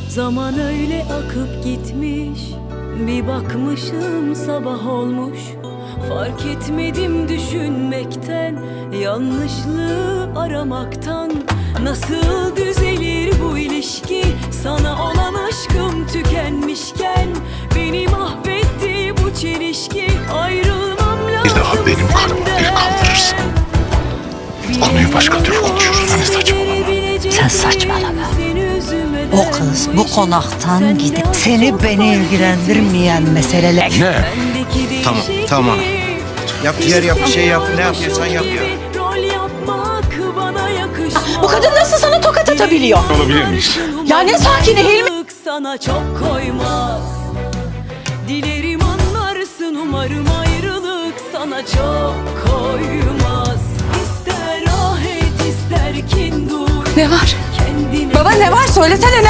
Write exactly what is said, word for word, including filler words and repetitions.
Zaman öyle akıp gitmiş, bir bakmışım sabah olmuş. Fark etmedim düşünmekten, yanlışlığı aramaktan. Nasıl düzelir bu ilişki, sana olan aşkım tükenmişken? Beni mahvetti bu çelişki, ayrılmam lazım Bir daha benim karıma bir kaldırırsın, konuyu başka türlü konuşuruz. Hani saçmalama. Sen saçmalama. O kız bu konaktan gidip seni beni ilgilendirmeyen meseleler. Ne? Tamam, tamam. Yap ciğer yap, bir şey yap. Ne yapıyorsan yap ya. Bu kadın nasıl sana tokat atabiliyor? Olabilir miyiz? Ya ne sakini Hilmi? Sana çok koymaz. Dilerim anlarsın, umarım ayrılık sana çok koymaz. İster ah et, ister kin dur. Ne var? Kendine Baba ne var? Söylesene ne